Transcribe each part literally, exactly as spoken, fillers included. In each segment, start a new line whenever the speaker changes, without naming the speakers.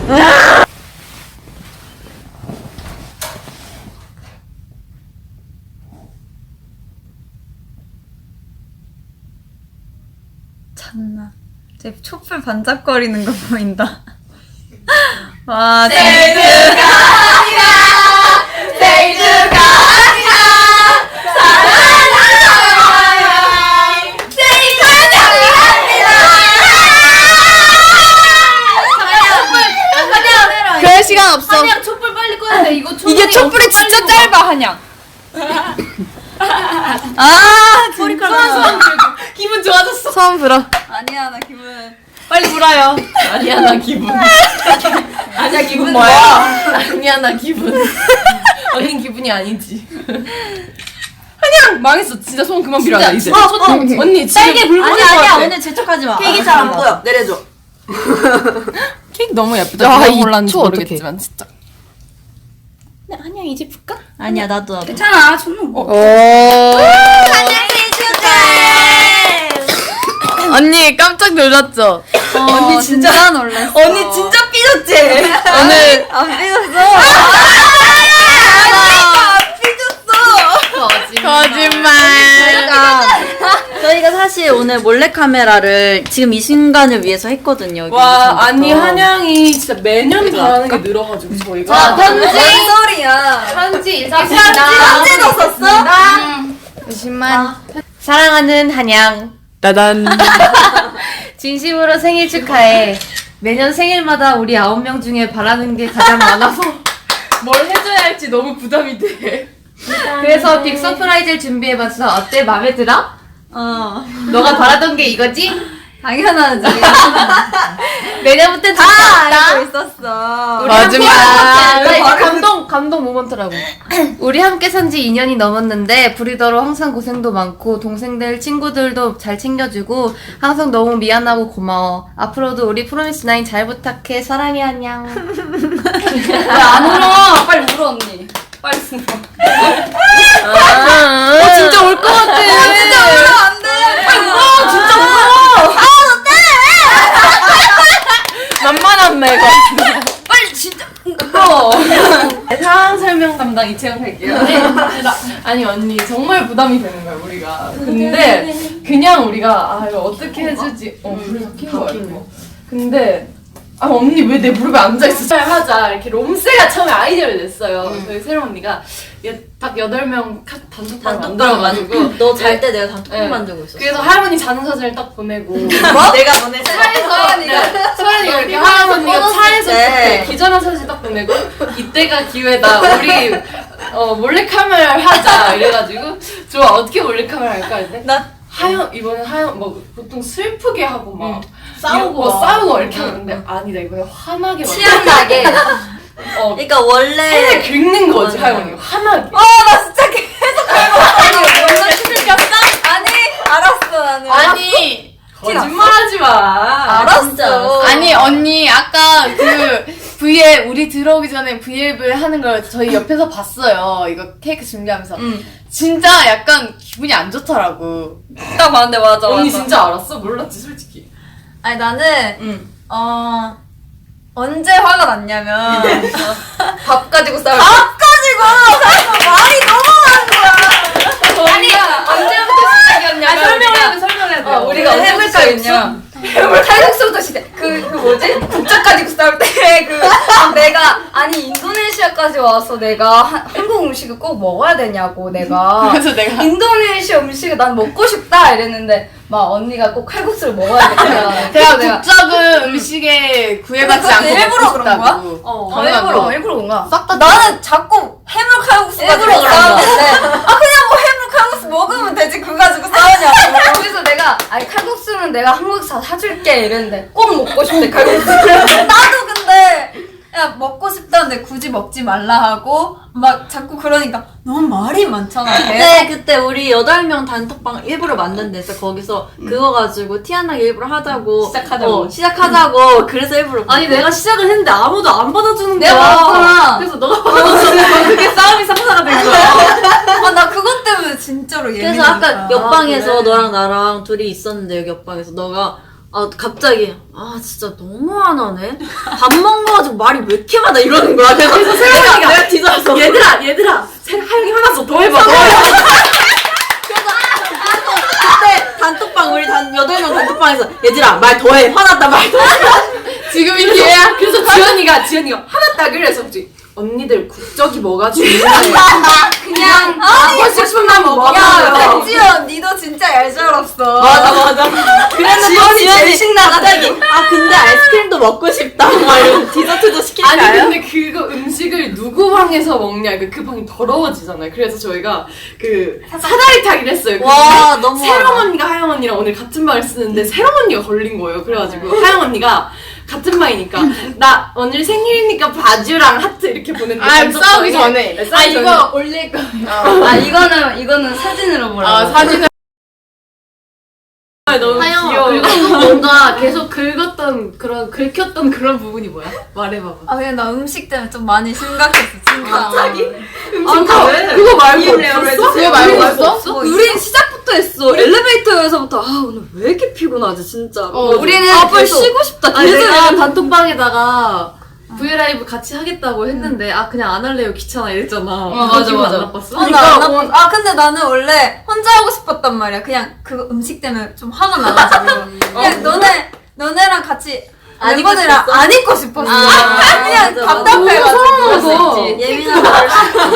참나. 제 촛불 반짝거리는 거 보인다. 와, 생일
축하합니다. 생일 축하합니다. 사랑하는 생일 축하합니다. 한양,
그럴 시간 없어.
한양 촛불 빨리 꺼야 돼. 이거
이게 촛불이 진짜 짧아, 한양.
아,
머리카락 기분 좋아졌어.
처음 불어.
아니야, 나 기분.
빨리 불어요.
아니야 나 기분.
아니야 기분
뭐야? 아니야 나 기분. 언닌 기분이 아니지. 한양 망했어. 진짜 소원 그만 빌어라 이제.
어, 어,
언니 지금
딸기 불
아니,
뻔할 것
아니야,
같아.
오늘 재촉하지 마.
케이크 잘 안 보여. 내려줘.
케이크 너무 예쁘다.
야,
누가
이
골랐는지
초 어떡해.
모르겠지만 진짜. 네, 한양 이제 볼까?
아니야, 나도, 나도.
괜찮아. 손은 뭐.
오.
생일 축하해!
언니 깜짝 놀랐죠?
어, 언니 진짜, 진짜 놀랐어.
언니 진짜 삐졌지?
오늘
안 삐졌어.
거짓말.
저희가, 저희가 사실 오늘 몰래카메라를 지금 이 순간을 위해서 했거든요.
와 아니 한양이 진짜 매년 바라는 게 늘어가지고 저희가.
자, 편지.
뭔 소리야.
편지 인사드립니다.
편지도 썼어?
거짓말.
사랑하는 한양.
따단.
진심으로 생일 축하해. 매년 생일마다 우리 아홉 명 중에 바라는 게 가장 많아서
뭘 해줘야 할지 너무 부담이 돼.
그래서 빅 서프라이즈를 준비해봤어. 어때? 마음에 들어?
어.
너가 바라던 게 이거지?
당연하지.
내년부터
다
좋다.
알고 있었어.
우리 함께
거짓말.
나 이제
바로
감동 감동 모먼트라고. 우리 함께 산 지 이 년이 넘었는데 브리더로 항상 고생도 많고 동생들 친구들도 잘 챙겨주고 항상 너무 미안하고 고마워. 앞으로도 우리 프로미스 나인 잘 부탁해. 사랑해 안녕.
안 울어. 빨리 울어, 언니. 빨리 울어.
어, 진짜 올 것 같아.
진짜 울어, 안 돼. 빨리 울어. 진짜 울어.
만만한데, 이거.
빨리 진짜.
상황 설명 담당 이채영 할게요. 아니 언니 정말 부담이 되는 거야 우리가. 근데 그냥 우리가 아 이거 어떻게 해주지? 어 불을 다 킨 거야. 이거. 근데 아 언니 왜 내 무릎에 앉아 있어? 잘 하자 이렇게 롬세가 처음에 아이디어를 냈어요. 저희 새로운 언니가 딱 여덟 명 단톡방 만들어가지고
너 잘 때 내가 단톡방
네.
만들고 있었어.
그래서 할머니 자는 사진을 딱 보내고
뭐? 내가 보냈어.
차에서 네, 서연이가 이렇게 하은 언니가 차에서
때.
그때 기절한 사진 딱 보내고 이때가 기회다 우리 어 몰래카메라를 하자 이래가지고 좋아 어떻게 몰래카메라 할까 했는데
나
하연 이번에 하연 뭐 보통 슬프게 하고 막
싸우고
뭐
막.
싸우고 이렇게 하는데 아니다 이번에 화나게 막
취향나게.
어
그러니까 원래
펜을 긁는 거지
맞아.
하연이가 화나게
나 진짜 계속 아니 아니 알았어 나는.
아니.
거짓말하지 마
알았어.
아니, 언니, 아까 그, V앱, 우리 들어오기 전에 V앱을 하는 걸 저희 옆에서 봤어요. 이거 케이크 준비하면서.
응.
진짜 약간 기분이 안 좋더라고.
딱 봤는데 맞아
언니
맞아.
진짜 알았어? 몰랐지 솔직히
아니 나는
응.
어 언제 화가 났냐면 밥 가지고 싸울 때. 밥 가지고 말이 너무 많은 거야.
아니 언제부터 시작이었냐면
설명해야 돼 설명해야 돼.
어, 우리가 해물 칼국수 해물 칼국수부터 시작. 그, 그 뭐지? 국자 가지고 싸울 때 그 내가 아니 인도네시아까지 와서 내가 한, 한국 음식을 꼭 먹어야 되냐고 내가.
그래서 내가.
인도네시아 음식을 난 먹고 싶다 이랬는데 막 언니가 꼭 칼국수를 먹어야겠다.
제가
그래서
국적은 음식에 구애받지
근데
않고
그것도 일부러
먹고
그런 거야?
싶다고.
어,
당연하죠.
일부러 일부러 뭔가.
싹 다.
나는 자꾸 해물 칼국수 가지고
일부러 그런 거야.
싸우는데 아 그냥 뭐 해물 칼국수 먹으면 되지 그거 가지고 싸우냐고. 그래서 내가 아니 칼국수는 내가 한국에서 사줄게 이랬는데 꼭 먹고 싶대 칼국수. 나도 근데 야 먹고 싶다는데 굳이 먹지 말라 하고 막 자꾸 그러니까 너무 말이 많잖아.
그때 그때 우리 여덟 명 단톡방 일부러 만든 데서 거기서 그거 가지고 티안나게 일부러 하자고
시작하자고.
어, 시작하자고 그래서 일부러
아니 내가 시작을 했는데 아무도 안 받아주는 거야.
내가 받았잖아.
그래서 너가 받아주는 그게 싸움이 상사가 된 거야.
아, 나 그것 때문에 진짜로
그래서
예민하니까.
아까 옆방에서
그래.
너랑 나랑 둘이 있었는데 여기 옆방에서 너가 아 갑자기 아 진짜 너무 안 하네. 밥 먹는 거 가지고 말이 왜 이렇게 많아 이러는 거야. 그래서 내가 내가 뒤져서 얘들아 얘들아 세- 하영이 화났어 더 해봐 더 해봐. 그래서 그때 단톡방 우리 단 여덟 명 단톡방에서 얘들아 말 더 해 화났다 말 더 해.
지금이 기회야. 그래서 지연이가 지연이가 화났다 그래서 혹시 언니들 국적이 뭐가 중요해?
그냥
먹고 싶은 만
야,
먹어요.
백지연, 니도 진짜 얄짤없어.
맞아 맞아. 그래서
지연이 제일
지연이
신나다.
갑자기 아 근데 아이스크림도 먹고 싶다. 막 이러고 디저트도
아니
시킬까요?
근데 그거 음식을 누구 방에서 먹냐 그, 그 방이 더러워지잖아요. 그래서 저희가 그 사다리 타기를 했어요.
와 너무
새롬 언니가 하영 언니랑 오늘 같은 방을 쓰는데 새롬 언니가 걸린 거예요. 그래가지고 하영 언니가 같은 방이니까 나 오늘 생일이니까 바주랑 하트 이렇게 보냈는데
아,
단톡방에
싸우기 전에.
네,
아,
싸우기 전에.
이거 올릴 거예요.
아, 이거는, 이거는 사진으로 보라고.
아, 사진을.
아, 너무
하영
귀여워.
그리고 또 뭔가 계속 긁었던 그런 긁혔던 그런 부분이 뭐야? 말해봐봐.
아, 그냥 나 음식 때문에 좀 많이 심각했어, 진짜.
갑자기?
아, 그거, 그거 말고 없었어?
그거 말고 없어?
뭐 우린 시작부터 했어. 엘리베이터에서부터, 아, 오늘 왜 이렇게 피곤하지, 진짜.
어,
우리는
아,
빨리
계속-
쉬고 싶다.
아니
계속
내가
이러면서.
단톡방에다가 브이라이브 같이 하겠다고 했는데 아 그냥 안 할래요 귀찮아 이랬잖아.
어, 맞아,
기분
맞아.
안 나빴어?
어, 나, 나, 아, 근데 나는 원래 혼자 하고 싶었단 말이야. 그냥 그 음식 때문에 좀 화가 나가지고. 그냥 너네, 너네랑 같이
안 입고
멤버들이랑
싶었어?
안 입고 싶었어.
아,
그냥
맞아, 맞아.
답답해가지고.
너무
예민한 걸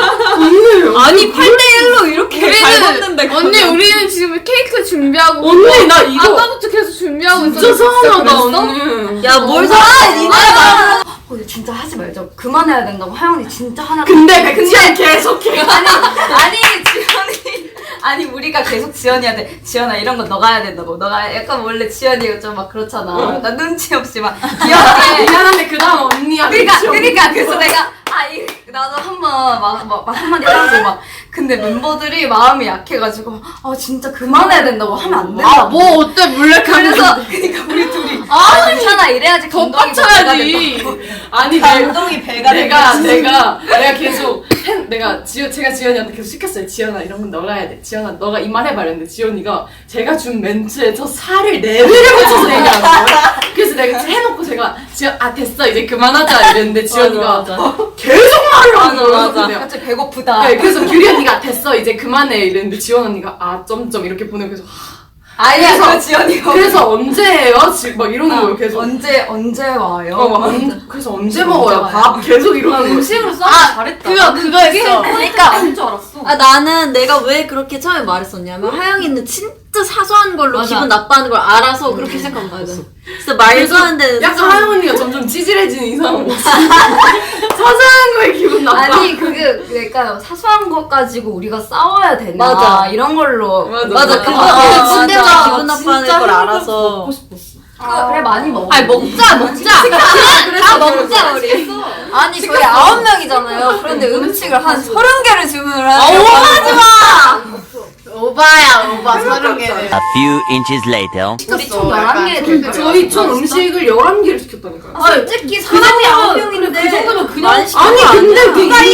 아니, 팔 대 일로 이렇게 잘 먹는데.
언니, 우리는 지금 케이크 준비하고.
언니 나 이거
아까부터 계속 준비하고 있어.
진짜 서운하다 언니.
야뭘
아,
사?
니네가. 어, 이거 진짜 하지 말자. 그만해야 된다고. 하영이 진짜 하나.
근데 백지연 계속해.
아니, 아니, 지연이. 아니, 우리가 계속 지연이한테, 지연아, 이런 거 너가 해야 된다고. 너가 약간 원래 지연이가 좀 막 그렇잖아. 나 눈치 없이 막 귀엽게.
미안한데 그 다음 언니야.
그니까,
백지연.
그니까. 그래서 내가, 아, 이, 나도 한 번, 막, 막, 막 한마디 하고 막. 근데 멤버들이 마음이 약해가지고, 아, 진짜 그만해야 된다고 하면 안 된다고.
아, 뭐 어때, 몰래카메라.
그래서, 그니까 우리 둘이. 아, 괜찮아. 이래야지 감동이 더 배가
빡쳐야지.
된다고.
아니 내가
감동이 배가
내가
된다고.
내가 내가 계속 팬 내가 지연 제가 지연이한테 계속 시켰어요. 지연아 이런 건 너가 해야 돼. 지연아 너가 이 말 해봐 이랬는데 지연이가 제가 준 멘트에 저 살을 네 배를 붙여서 얘기하는 거예요. 그래서 내가 해놓고 제가 지연 아 됐어 이제 그만하자 이랬는데 지연이가 계속 말을 하는 거예요.
맞아.
그래서 내가
갑자기 배고프다.
네, 그래서 규리 언니가 됐어 이제 그만해 이랬는데 지원 언니가 아 점점 이렇게 보내고 계속
아니야,
그래서-
그 지연이가.
그래서 언제 해요? 지금 막 이러는 거예요 계속.
언제, 언제 와요?
어, 막 언, 그래서 언제 먹어요? 밥 계속 이러는 거예요.
음식으로 싸워
아,
잘했다.
그거, 그거 했어.
그러니까.
아닌 줄 알았어.
아 나는 내가 왜 그렇게 처음에 말했었냐면 하영이는 진짜 사소한 걸로
맞아.
기분 나빠하는 걸 알아서 그렇게 시작한 거야. 진짜 말도 안 되는
약간
사소한-
하영 언니가 점점 찌질해지는 이상한 거. 사소한 거에 기분 나빠.
아니, 그게, 그러니까 사소한 것 가지고 우리가 싸워야 되나.
맞아.
이런 걸로.
맞아,
맞아
맞아.
그거
아,
그
맞아.
꼰대가 기분 나빠하는
진짜
걸
햄버거
알아서
먹고 싶었어.
그, 그래, 많이 먹어.
아니 먹자 먹자
다 먹자, 우리. 아니, 저희 아홉 명이잖아요. 그런데 음식을 한 서른 개를 주문을 하는
하지 마
오바야, 오바. 서른 개를.
A few inches later.
우리 총 열한 개 될 거예요.
저희 총 음식을 열한 개를 시켰다니까요.
아, 솔직히 사람이 아홉 명인데.
그 정도면 그냥
많이 시킨
아니
거
근데
아니야.
그게